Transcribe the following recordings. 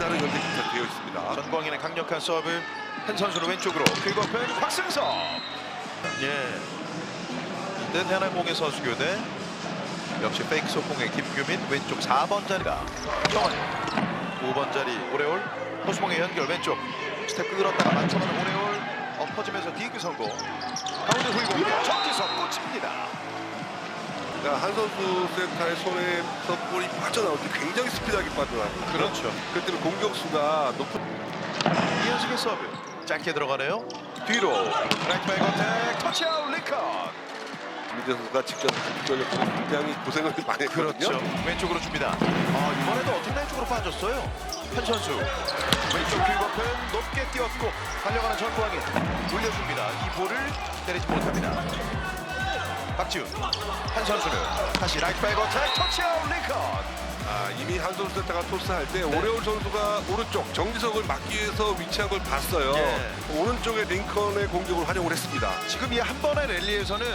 남다른 연대기가 되어 있습니다. 전광인의 강력한 서브. 한 선수는 왼쪽으로 그리고 pen 곽승섭. 예. 네, 대한항공의 선수 교대. 역시 페이크 소풍의 김규민 왼쪽 4번 자리가 정원 5번 자리 오레올 호수봉의 연결 왼쪽 스텝 끌었다가 맞춰가는 오레올 엎어지면서 디그 성공. 가운데 훌공 정지석 꽂힙니다. 그러니까 한 선수 센터의 손에서 볼이 빠져나올 때 굉장히 스피드하게 빠져나와요. 그렇죠. 그렇기 때문에 공격수가 높은 이현식의 서브 짧게 들어가네요. 뒤로 라이트 바이 컨택 터치아웃 리컨. 김민재 선수가 직접 전력으로 굉장히 고생을 많이 했거든요. 그렇죠. 왼쪽으로 줍니다. 이번에도 어택 쪽으로 빠졌어요. 한 선수 왼쪽 킬버펜 높게 뛰었고 달려가는 전광인 올려줍니다. 이 볼을 때리지 못합니다. 박지훈 한 선수는 다시 라이트 바이 컨택 터치아웃 리컨. 이미 한 선수 센터가 토스할 때 오레올 선수가 오른쪽 정지석을 막기 위해서 위치한 걸 봤어요. 예. 오른쪽에 링컨의 공격을 활용을 했습니다. 지금 이 한 번의 랠리에서는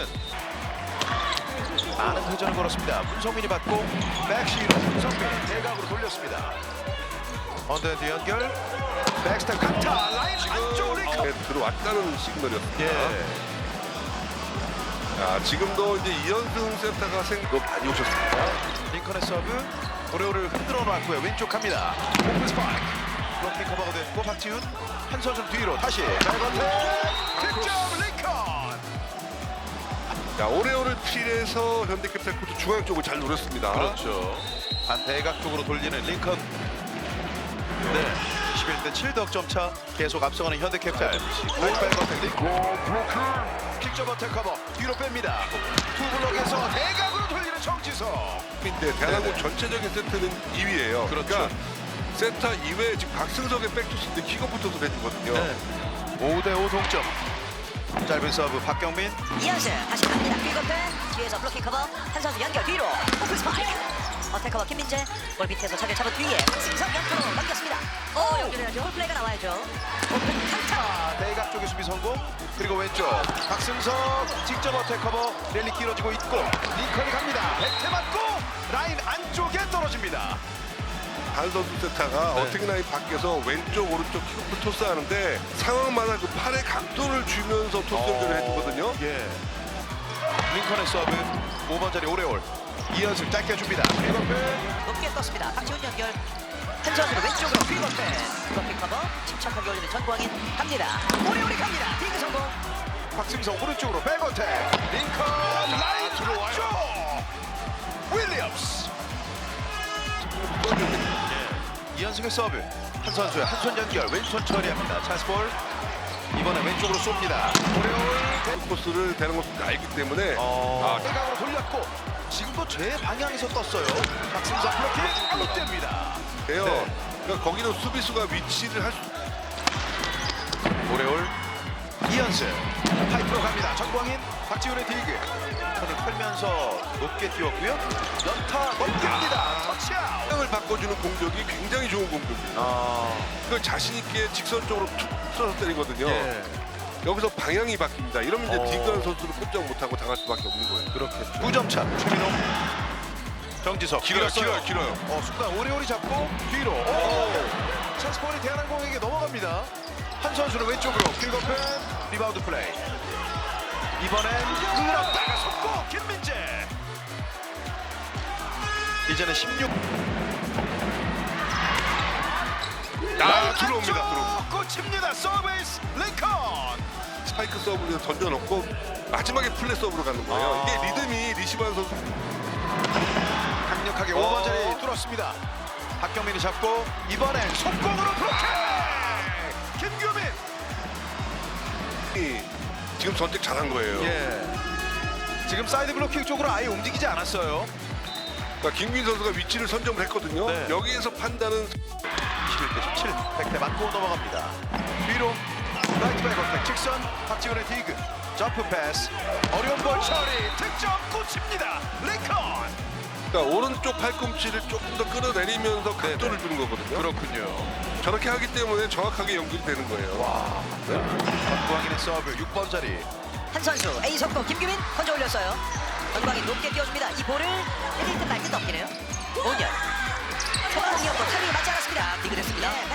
많은 회전을 걸었습니다. 문성민이 받고 백시로 문성민 대각으로 돌렸습니다. 언더핸드 연결 백스텝 강타 라인 안쪽 리컨. 들어왔다는 시그널이었습니다. 예. 지금도 이제 이현승 센터가 생각 많이 오셨습니다. 링컨의 서브 오레오를 흔들어 놨고요. 왼쪽 갑니다. 오픈 스파이크 블로킹 커버가 됐고 박지훈 한 선수 뒤로 다시 백원택 득점 링컨. 오레오를 필해서 현대캐피탈코트 중앙 쪽을 잘 노렸습니다. 그렇죠. 반대각 쪽으로 돌리는 링컨. 네. 21대 7득점 차 계속 앞서가는 현대캐피탈. 백원택 링컨. 킥점 어택 커버 뒤로 뺍니다. 투 블록에서 대각으로 돌리는 정지석. 인데 대한항공 전체적인 세트는 2위예요. 그렇죠. 그러니까 세터 이외에 지금 박승석의 백투스인데 킥오프터도 해주거든요. 네. 5대5 동점. 짧은 서브 박경민. 이현승 다시 갑니다. 킬거펜 뒤에서 블로킹 커버 한 선수 연결 뒤로 오픈 스파이크 어택 커버 김민재 볼 밑에서 차를 잡은 뒤에 박승석 옆으로 넘겼습니다. 연결해야죠. 콜플레이가 나와야죠. 오픈 강타. 대각 쪽의 수비 성공. 그리고 왼쪽 박승석 직접 어택 커버 랠리 길어지고 있고 링컨이 갑니다. 백태 맞고 라인 안쪽에 떨어집니다. 한 선수 세타가 네. 어택 라인 밖에서 왼쪽 오른쪽 킥오프 토스하는데 상황마다 그 팔의 각도를 주면서 토스 연결을 해주거든요. 예. 링컨의 서브 5번 자리 오레올 이현승 짧게 줍니다. 킬거펜 높게 떴습니다. 박지훈 연결 한 선수는 왼쪽으로 킬거펜 블로킹 커버 침착하게 올리는 전광인 갑니다. 오래오래 갑니다. 디그 성공. 박승석 오른쪽으로 백어택 링컨 라인 안쪽 윌리엄스. 이현승의 서브 한 선수의 한 손 연결 왼손 처리합니다. 찬스볼 이번에 왼쪽으로 쏩니다. 오레올 코스를 대는 것을 알기 때문에 대각으로 돌렸고 지금도 제 방향에서 떴어요. 박승석 블로킹 아웃됩니다. 돼요. 네. 그러니까 거기도 수비수가 위치를 할 수. 오레올 이현승 파이프로 갑니다. 전광인 박지훈의 디그 손을 털면서 높게 뛰었고요. 연타 넘깁니다. 터치아웃. 방향을 바꿔주는 공격이 굉장히 좋은 공격이에요. 그걸 자신 있게 직선적으로 툭 틀어서 때리거든요. 예. 여기서 방향이 바뀝니다. 이러면 이제 디그한 선수를 꼼짝 못하고 당할 수밖에 없는 거예요. 그렇겠죠. 9점 차 최민호 정지석 길어요. 순간 오레올이 잡고 뒤로 찬스볼이 대한항공에게 넘어갑니다. 한 선수는 왼쪽으로 킬거펜 리바운드 플레이. 이번엔 끌었다가 속고 김민재. 이제는 16. 들어옵니다. 꽂힙니다. 서비스 링컨. 스파이크 서브를 던져놓고 마지막에 플랫 서브로 가는 거예요. 이게 리듬이 리시브한 선수. 강력하게 5번 자리 뚫었습니다. 박경민이 잡고 이번엔 속공으로 블로킹. 김규민. 지금 선택 잘한 거예요. 예. 지금 사이드 블로킹 쪽으로 아예 움직이지 않았어요. 그러니까 김민 선수가 위치를 선점을 했거든요. 네. 여기에서 판단은 21대 17. 백대 맞고 넘어갑니다. 뒤로 라이트 백 어택 직선 박지훈의 디그 점프 패스 어려운 볼 처리 득점 꽂힙니다. 링컨. 그러니까 오른쪽 팔꿈치를 조금 더 끌어내리면서 각도를 주는 거거든요. 그렇군요. 저렇게 하기 때문에 정확하게 연결이 되는 거예요. 와. 전광인의 서브 6번 자리. 한 선수 A 속도 김규민 건져 올렸어요. 전광인 높게 띄워줍니다. 이 볼을 때릴 듯 말 듯 넘기네요. 5년 초반이었고 타이밍이 맞지 않았습니다. 디그 됐습니다.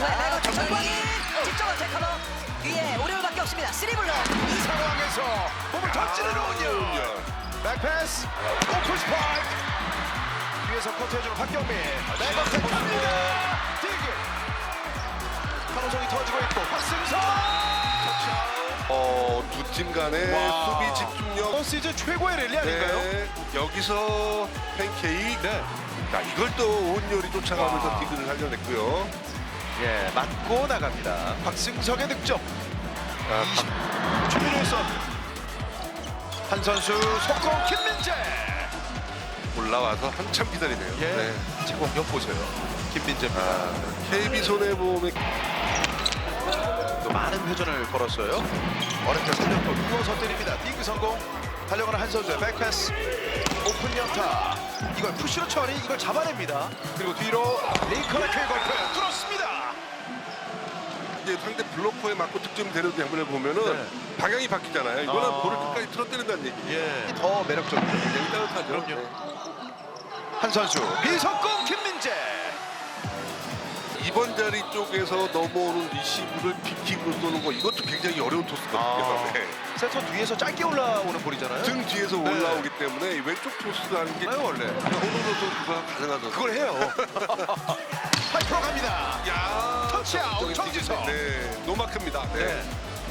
이후에 매거 정광인 직접 어택 커버 뒤에 오리올밖에 없습니다. 3블럭 이 상황에서 몸을 던지는 오은열. 백패스 오픈 스파이크. 뒤에서 커트해주는 박경민. 매거 택합니다. 디그. 한호성이 터지고 있고 박승선. 두 팀 간의 와. 수비 집중력. 시즌 최고의 랠리 아닌가요? 네, 여기서 팬케이크. 네. 자, 이걸 또 오은열이 쫓아가면서 와. 디그를 살려냈고요. 예, 맞고 나갑니다. 박승석의 득점. 자, 준비를 했어. 한 선수 속공 김민재. 올라와서 한참 기다리네요. 예. 네. 지금 공격 보세요. 김민재입니다. KB 손해보험의 또 많은 회전을 걸었어요. 어렵게 3점 누워서 때립니다. 딩크 성공. 달려가는 한 선수의 백패스. 오픈 연타. 이걸 푸시로 처리. 이걸 잡아냅니다. 그리고 뒤로 링컨의 쾌골프 뚫었습니다. 이제 상대 블로커에 맞고 득점이 되는 장면을 보면은 네. 방향이 바뀌잖아요. 이거는 아. 볼을 끝까지 틀어뜨린다는 얘기. 예, 더 매력적이죠. 굉장히 따뜻하죠. 그럼요. 네. 한 선수 비석공 김민재. 이번 자리 쪽에서 넘어오는 리시브를 빅킥으로 쏘는 거 이것도 굉장히 어려운 토스거든요. 아. 네. 세터 뒤에서 짧게 올라오는 볼이잖아요. 등 뒤에서 네. 올라오기 때문에 이 왼쪽 토스라는 게 나요 원래. 오늘도 그거 가능하죠. 그걸 해요. 파이프로 갑니다. 야 터치아웃 정지석. 네, 노마크입니다. 네. 네.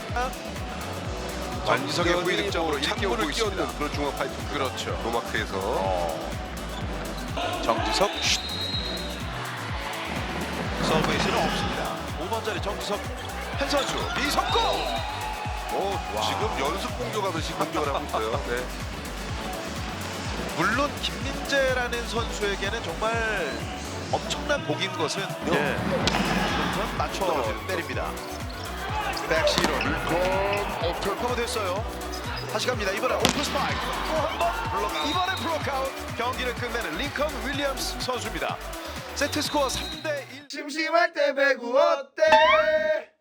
정지석의 후위 득점으로 이렇게 오고 찬물을 있습니다. 끼얹는 그런 중앙 파이프. 그렇죠. 노마크에서 정지석 슛. 서브에이스는 없습니다. 5번 자리 정지석 한 선수 미석공. 지금 연습 공격하듯이 공격을 하고 있어요. 네. 물론 김민재라는 선수에게는 정말 엄청난 복인 것은 우선 맞춰 때립니다. 백시로 커버 됐어요. 다시 갑니다. 이번에 오픈 스파이크 또 한 번 블록아웃. 이번에 블록아웃. 경기를 끝내는 링컨 윌리엄스 선수입니다. 세트 스코어 3대1. 심심할 때 배구 어때?